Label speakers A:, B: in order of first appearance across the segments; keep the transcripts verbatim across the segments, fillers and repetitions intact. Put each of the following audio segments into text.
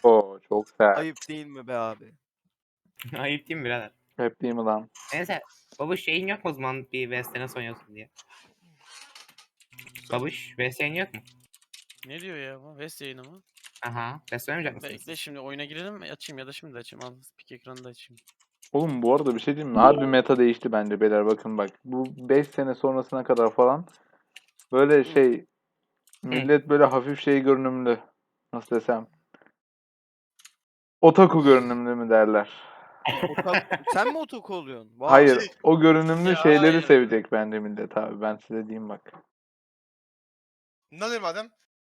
A: Oo çok sert.
B: Ayıp değil mi be abi?
C: Ayıp değil mi birader?
A: Hep değil mi lan?
C: Neyse. Babuş şeyin yok mu o zaman bir V S nasıl oynuyorsun diye. Babuş V S'in yok mu?
D: Ne diyor ya bu? West yayını mı?
C: Aha. V S oynamayacak mısınız?
D: Bekle şimdi oyuna girelim mi? Açayım ya da şimdi de açayım. Al pik ekranı da açayım.
A: Oğlum bu arada bir şey diyeyim mi? Harbi meta değişti bence beyler, bakın bak. Bu beş sene sonrasına kadar falan böyle şey millet böyle hafif şey görünümlü. Nasıl desem? Otaku görünümlü mü derler?
B: Otak... Sen mi otaku oluyorsun? Vay.
A: Hayır, o görünümlü
D: Ya
A: şeyleri
D: hayır.
A: sevecek bence millet abi. Ben size diyeyim bak.
E: Ne oluyor madem?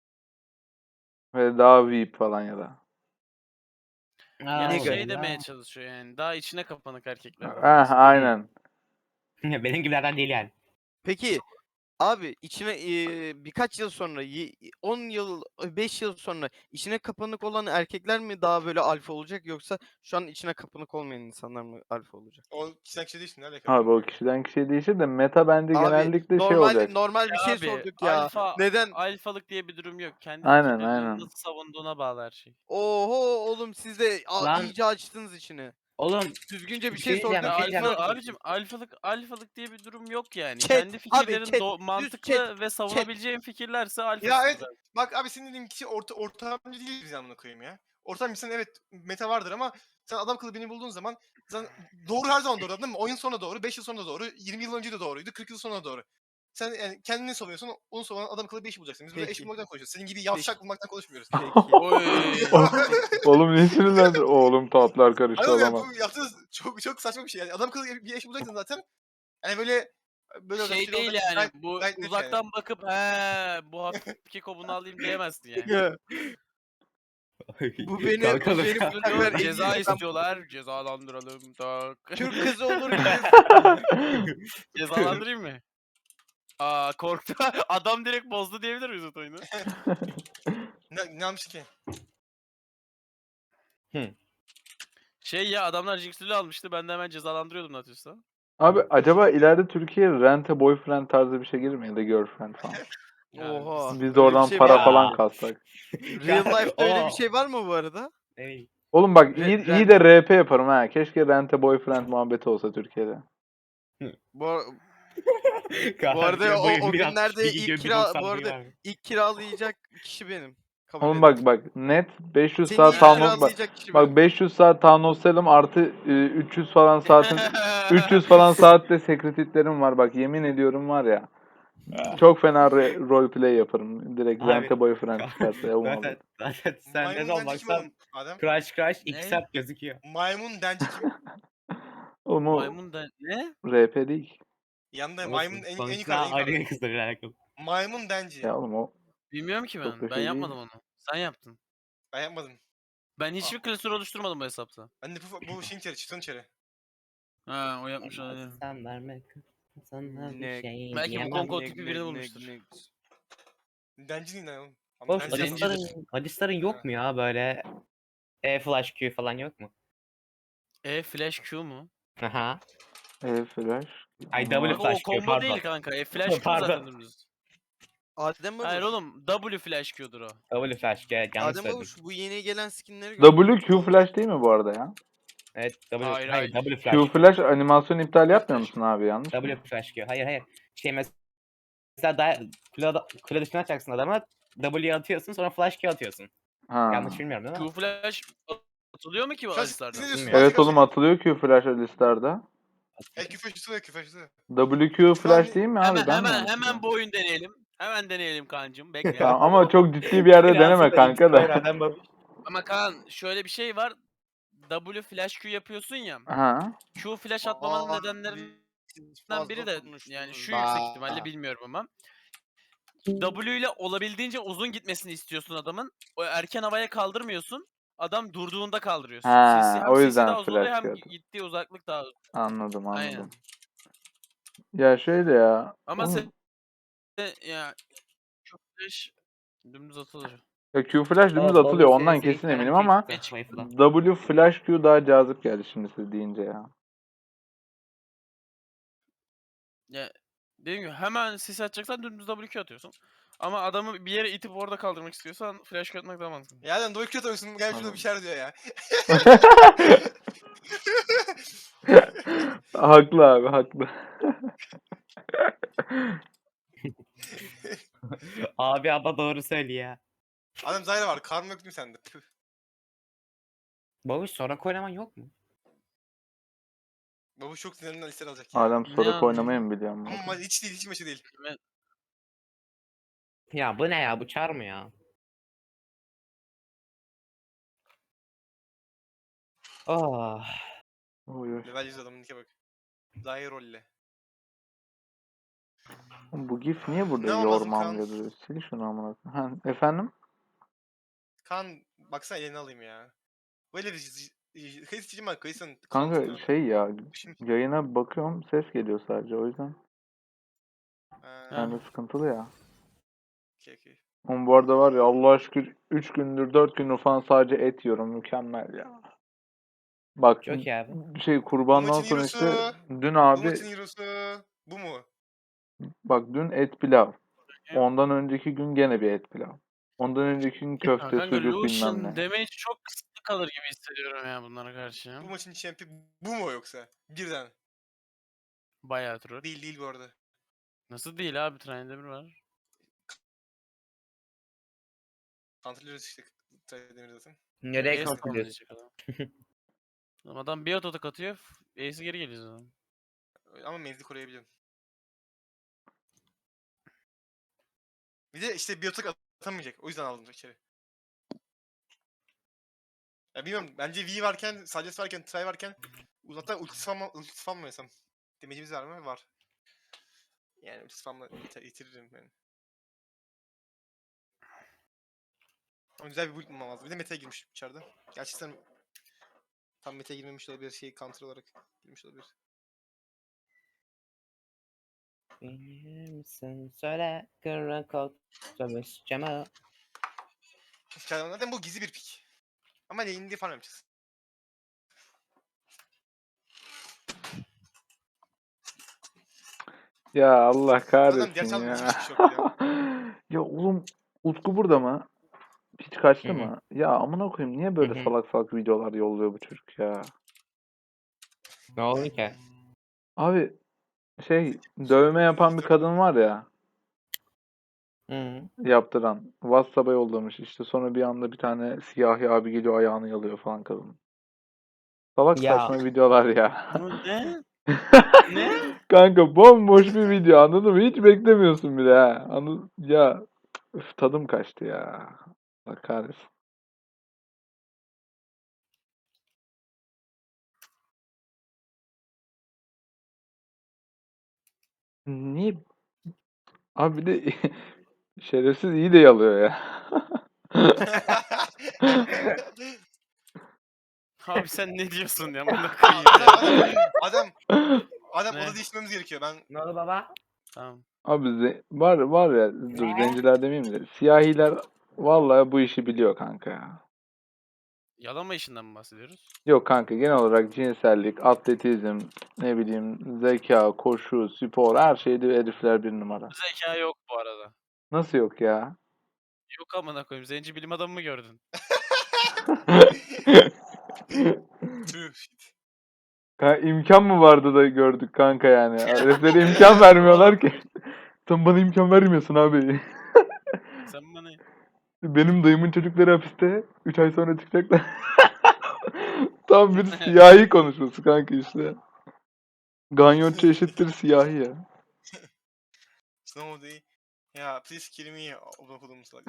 A: Ve daha V I P falan ya da.
D: Yani
B: Ne
D: şey
B: garip.
D: demeye çalışıyor yani. Daha içine kapanık erkekler.
A: Ah aynen.
C: Benim gibilerden değil yani.
B: Peki abi içine eee, birkaç yıl sonra, y- on yıl, beş yıl sonra içine kapanık olan erkekler mi daha böyle alfa olacak yoksa şu an içine kapanık olmayan insanlar mı alfa olacak?
E: O kişiden kişi değilsin. Ne alakalı?
A: Abi o kişiden kişiye değişir de meta bence
B: Abi
A: genellikle şey
B: normal
A: olacak.
B: normal bir şey
D: Abi
B: sorduk ya.
D: alfa,
B: Neden?
D: alfalık diye bir durum yok. Kendi
A: Aynen,
D: fikirlerini
A: aynen.
D: nasıl savunduğuna bağlı her şey.
B: Oho oğlum siz de a-
C: Lan-
B: iyice açtınız içini.
C: Oğlum
B: Düzgünce bir
C: Bir
B: şey
C: şey diyeceğim,
B: sorduk.
C: bir şey
D: Ya
C: diyeceğim.
D: alfa, abicim alfalık alfalık diye bir durum yok yani.
B: Chat,
D: Kendi
B: abi,
D: fikirlerin
B: chat,
D: do-
B: düz
D: mantıklı
B: chat,
D: ve savunabileceğin fikirlerse alfasın.
E: Ya evet.
D: zaten.
E: Bak abi senin dediğin kişi orta, ortamcı değil biz amına koyayım ya. Ortamcısın evet meta vardır ama sen adam kılı beni bulduğun zaman sen doğru her zaman doğru değil mi? Oyun sonra doğru, beş yıl sonra doğru, yirmi yıl önce de doğruydu, kırk yıl sonra doğru. Sen yani kendini savunuyorsun, onu savunan adam kılı bir iş bulacaksın. Biz burada eş
B: Peki.
E: bulmaktan konuşuyoruz. Senin gibi yavşak
B: Peki.
E: bulmaktan konuşmuyoruz.
B: Peki.
D: Oy.
A: Oğlum niye sinirlendin? Oğlum tatlar karıştı
E: Hayır ya
A: adama.
E: bu yaptığınız çok çok saçma bir şey yani. Adam kılı bir eş bulacaksın zaten. Yani böyle böyle
D: Şey
E: rapçi
D: değil
E: olacak,
D: yani
E: gayet-
D: bu
E: gayet net
D: uzaktan
E: yani.
D: bakıp he bu hafif keko bunu alayım diyemezsin yani.
B: Bu beni, bu
C: Kalkalım.
B: beni bu sefer
D: Diyor,
B: en
D: ceza
B: iyi-
D: istiyorlar cezalandıralım tak.
B: Türk kızı olur gibi.
D: Cezalandırayım mı? Aa korktu. Adam direkt bozdu diyebilir miyiz o oyunu?
E: Ne, ne yapmış ki?
D: Şey ya adamlar Jinx'lü almıştı ben de hemen cezalandırıyordum Natius'ta.
A: Abi acaba ileride Türkiye rente boyfriend tarzı bir şey gelir mi ya da girlfriend falan?
B: Oha.
A: Biz
B: öyle
A: de
B: bir
A: oradan
B: şey
A: para
B: var mı?
A: falan kassak.
B: Real life'da öyle
C: Oo.
B: bir şey var mı bu arada?
C: Ey.
A: Oğlum bak
B: Re-
A: iyi,
B: rent-
A: iyi de R P yaparım ha. Keşke rente boyfriend muhabbeti olsa Türkiye'de.
B: Bu, ar- bu arada o, o günlerde ilk kira bu arada ilk kiralayacak kişi benim. Kabul
A: Oğlum
B: ederim.
A: bak bak net beş yüz
B: Seni
A: saat
B: ilk
A: town hall- bak,
B: kiralayacak kişi
A: bak
B: benim.
A: beş yüz saat town hall sellim artı e, üç yüz falan saatin üç yüz falan saatte sekretitlerim var bak, yemin ediyorum var ya. Çok fena re- roleplay yaparım. Direkt
C: Abi,
A: rente boyfriend çıkarsa ya o
C: Zaten,
A: muhabbet.
C: zaten sen ne
E: Maymun
C: zaman
E: denci kim
C: baksan
E: oğlum Adem?
C: crash crash iki
D: Ne?
C: saat gözüküyor.
E: Maymun denci kim?
A: Oğlum o
D: Maymun da ne?
A: R P değil.
E: Yanında
C: Olsun,
E: maymun en, en
C: sonuçta
E: yukarıda en yukarıda.
C: aynı kızlarıyla alakalı.
E: Maymun denci.
A: Ya oğlum o
D: Bilmiyorum ki
A: Çok da
D: ben. Ben
A: şey
D: yapmadım
A: değil.
D: onu. Sen yaptın.
E: Ben yapmadım.
D: Ben hiçbir klasör oluşturmadım bu hesapta.
E: Ben de bu, bu şeyin içeri, çıtın içeri.
D: Ha o yapmış olabilir.
C: Sen verme sana bir
B: Ne-
C: şey
D: Belki bu
C: diyemem.
D: Kongo
B: Ne-
D: tipi
B: ne-
D: birini
B: ne-
D: bulmuştur.
B: ne-
E: Denci değil lan oğlum. Ama
C: Boş
E: denci
D: Zencidir.
E: yapmadım.
C: Hadisların, Hadisların yok mu ya böyle E flash Q falan yok mu?
D: E flash Q mu?
C: Aha.
A: E flash.
C: Ay,
A: Ama-
C: W
D: O
C: flash Q,
D: combo
C: pardon.
D: değil kanka. E flash Q
C: Pardon.
D: zaten dümdüz.
B: Adem
D: Hayır
B: Babuş.
D: oğlum W flash Q'dur o.
C: W flash Q, yanlış
B: Adem
C: söyledim.
B: Babuş bu yeni gelen skinleri gördün mü?
A: W Q flash değil mi bu arada ya?
C: Evet W,
D: Hayır,
C: hayır,
D: hayır.
C: W
A: Q
C: flash Q.
A: flash animasyon iptal yapmıyor
E: Flash.
A: musun abi, yanlış mı?
C: W flash Q. Hayır hayır. Şey mesela da, kule, kule dışına atacaksın adama. W'ye atıyorsun sonra flash Q atıyorsun.
A: Ha.
C: Yanlış bilmiyorum değil mi?
D: Q flash atılıyor mu ki bu
E: Flash
D: alislarda?
E: ne diyorsun?
C: Bilmiyorum.
A: Evet oğlum, atılıyor Q flash listelerde.
E: E küfür atılıyor küfür atılıyor.
A: W Q flash
E: an-
A: değil mi abi?
D: Hemen
A: Ben mi
D: hemen
A: yanlış
D: hemen
A: biliyorum?
D: bu oyun deneyelim. Hemen deneyelim kancım. Bekle.
A: Tamam, ama çok ciddi bir yerde deneme kanka da.
D: Ama Kaan şöyle bir şey var. W flash Q yapıyorsun ya.
A: Ha.
D: Q flash atmamanın
E: Aa,
D: nedenlerinden biri de yani şu
B: Bah.
D: yüksek ihtimalle bilmiyorum ama. W ile olabildiğince uzun gitmesini istiyorsun adamın. O erken havaya kaldırmıyorsun. Adam durduğunda kaldırıyorsun.
A: Ha,
D: C C, hem
A: o
D: C C
A: yüzden
D: daha uzun oluyor
A: flash
D: hem
A: gördüm.
D: gittiği uzaklık daha uzun.
A: Anladım anladım.
D: Aynen.
A: Ya şöyle ya.
D: Ama
A: oğlum,
D: sen ya Q flash dümdüz atılır.
A: ya Q flash dümdüz atılıyor, ondan kesin eminim ama W flash Q daha cazip geldi şimdi siz deyince ya.
D: Ya dediğim gibi hemen sis atacaksan dümdüz W Q atıyorsun. Ama adamı bir yere itip orada kaldırmak istiyorsan flash atmak daha mantıklı.
E: Ya lan Doğu kötü oyuncusun gel şurada
A: Anladım.
E: bir şeyler diyor ya.
A: Haklı abi haklı.
C: Abi ama doğru söylüyor ya.
E: Adam Zyra var. Karnı yok değil mi sende? Püh.
C: Babuş sonra oynaman yok mu?
E: Babuş çok sinirlerinden listeler alacak ya.
A: Alem
D: Ne
A: Sorak
D: anlayayım?
A: oynamayı mı biliyor
E: Ama
A: musun?
E: ma- hiç değil, hiç maçı değil.
D: Kime-
C: Ya bu ne ya? Bu çar mı ya? Oh.
A: Oy oy.
E: Level yüz adamın nike bak. Zyra rolle.
A: Oğlum bu gif niye burada
E: Ne olmaz mı
A: yormam
E: Kaan?
A: diyordu? Sil şunu amına koyayım. Ha, efendim?
E: Kaan baksana elini alayım ya. Böyle bir kayıt içeceğim ben kayısın.
A: Kanka şey ya
E: Şimdi.
A: yayına bakıyorum ses geliyor sadece o yüzden.
E: Ha,
A: Yani sıkıntılı ya.
E: okey okey.
A: Oğlum bu arada var ya Allah'a şükür üç gündür dört gündür falan sadece et yiyorum. Mükemmel ya. Bak
C: Çok iyi abi.
A: şey
E: Bu
A: kurbandan
E: maçın
A: sonra
E: hero'su.
A: işte dün
E: Bu
A: abi
E: maçın hero'su. Bu mu?
A: bak dün et pilav.
D: Ya.
A: Ondan önceki gün gene bir et pilav. Ondan önceki gün
D: Ya
A: köfte,
D: kanka
A: sucuk bilmem
D: Lucian
A: ne.
D: damage çok kısıtlı kalır gibi hissediyorum ya bunlara karşı.
E: Bu maçın champion bu mu yoksa? Birden.
D: Bayağı troll.
E: Değil değil bu arada.
D: Nasıl değil abi, Trine bir var.
E: Antrenörüz işte. Demir zaten.
C: Nereye
D: Ace
C: kontrol ediyorsun?
D: tamamlayacak adam. Adam- Adam bir ototak atıyor. Ace'i geri geliyor zaten.
E: Ama menzil koruyabiliyorum. Bir de işte biyotik atamayacak. O yüzden aldım içeri. Ya bilmiyorum. Bence V varken, Salyas varken, Try varken uzaktan ulti spam, ulti spam mı yesem? Demecimiz var mı? Var. Yani ulti spamla ite- itiririm yani. Ama güzel bir build bulmam lazım. Bir de meta'ya girmiş içeride. Gerçekten tam meta'ya girmemiş de olabilir. Şey counter olarak girmiş olabilir.
C: Bilir misin? Söyle. Kırın kod. Sömüş cama.
E: Zaten bu gizli bir pick. Ama lane'de diye falan yapacağız.
A: Ya Allah
E: Adam
A: kahretsin
E: gerçi aldım
A: ya.
E: hiçbir şey yok ya.
A: Ya oğlum Utku burada mı? Hiç kaçtı
C: Hı hı.
A: mı? Ya amına koyayım niye böyle
C: Hı hı.
A: salak salak videolar yolluyor bu çocuk ya?
C: Ne oldu ki?
A: Abi şey dövme yapan bir kadın var ya
C: Hı.
A: yaptıran. WhatsApp'a yollamış işte sonra bir anda bir tane siyahi abi geliyor ayağını yalıyor falan kadın. Salak
C: Ya.
A: saçma videolar ya.
D: Bu ne? Ne?
A: Kanka bomboş bir video anladın mı? Hiç beklemiyorsun bile ha. Anladın? Ya üf, tadım kaçtı ya. Allah kahretsin. Niye? Abi bir de şerefsiz iyi de yalıyor ya.
D: Abi sen ne diyorsun ya? Buna
E: Aa,
D: koyayım
E: adam,
D: ya.
E: adam, adam, adam
D: Ne?
E: oda değiştirmemiz gerekiyor. Ben
C: Ne oldu baba?
D: Tamam.
A: Abi ze- var var ya dur
C: Ne?
A: zenciler demeyeyim de siyahiler vallahi bu işi biliyor kanka ya.
D: Yalama işinden mi bahsediyoruz?
A: Yok kanka genel olarak cinsellik, atletizm, ne bileyim zeka, koşu, spor her şeyde herifler bir numara.
D: Zeka yok bu arada.
A: Nasıl yok ya?
D: Yok amına koyayım. Zenci bilim adamı mı gördün?
E: True shit.
A: Kanka, imkan mı vardı da gördük kanka yani. Heriflere imkan vermiyorlar ki. Sen bana imkan vermiyorsun abi.
D: Sen bana...
A: Benim dayımın çocukları hapiste. üç ay sonra çıkacaklar. Tam bir siyahi konuşması kanka işte. Ganyotçu eşittir siyahi ya.
E: Snow day. Ya please kill me. Open okudum salak.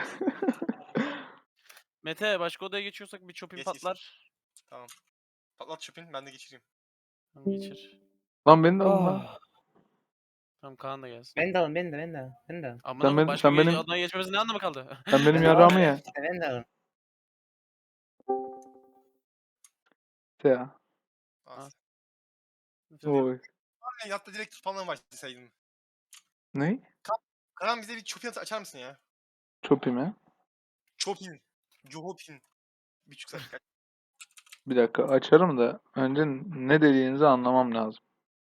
D: Mete başka odaya geçiyorsak bir çöpün
E: Geç, geç.
D: patlar.
E: Tamam. Patlat çöpün ben de geçireyim.
D: Tamam geçir.
A: Lan beni de alın lan.
C: Oh.
D: Tamam Kaan da gelsin.
C: Beni de alın, beni de, beni de alın. Beni de alın.
D: Amına
A: Sen
D: koyayım
A: benim-
D: başka
A: sen
D: bir
A: benim-
D: odaya geçmemizin ne anlamı kaldı?
A: Sen benim
C: Beni de
A: yarağımı
C: alın.
A: ye.
C: İşte beni de alın.
A: Ya.
E: Az.
A: Oy.
E: Ben yatta direkt spamla başlasaydım.
A: Ne?
E: Karan bize bir çöpün açar mısın ya?
A: Çopi mi?
E: Chopin. Johopin. Bir buçuk saat.
A: Bir dakika açarım da önce ne dediğinizi anlamam lazım.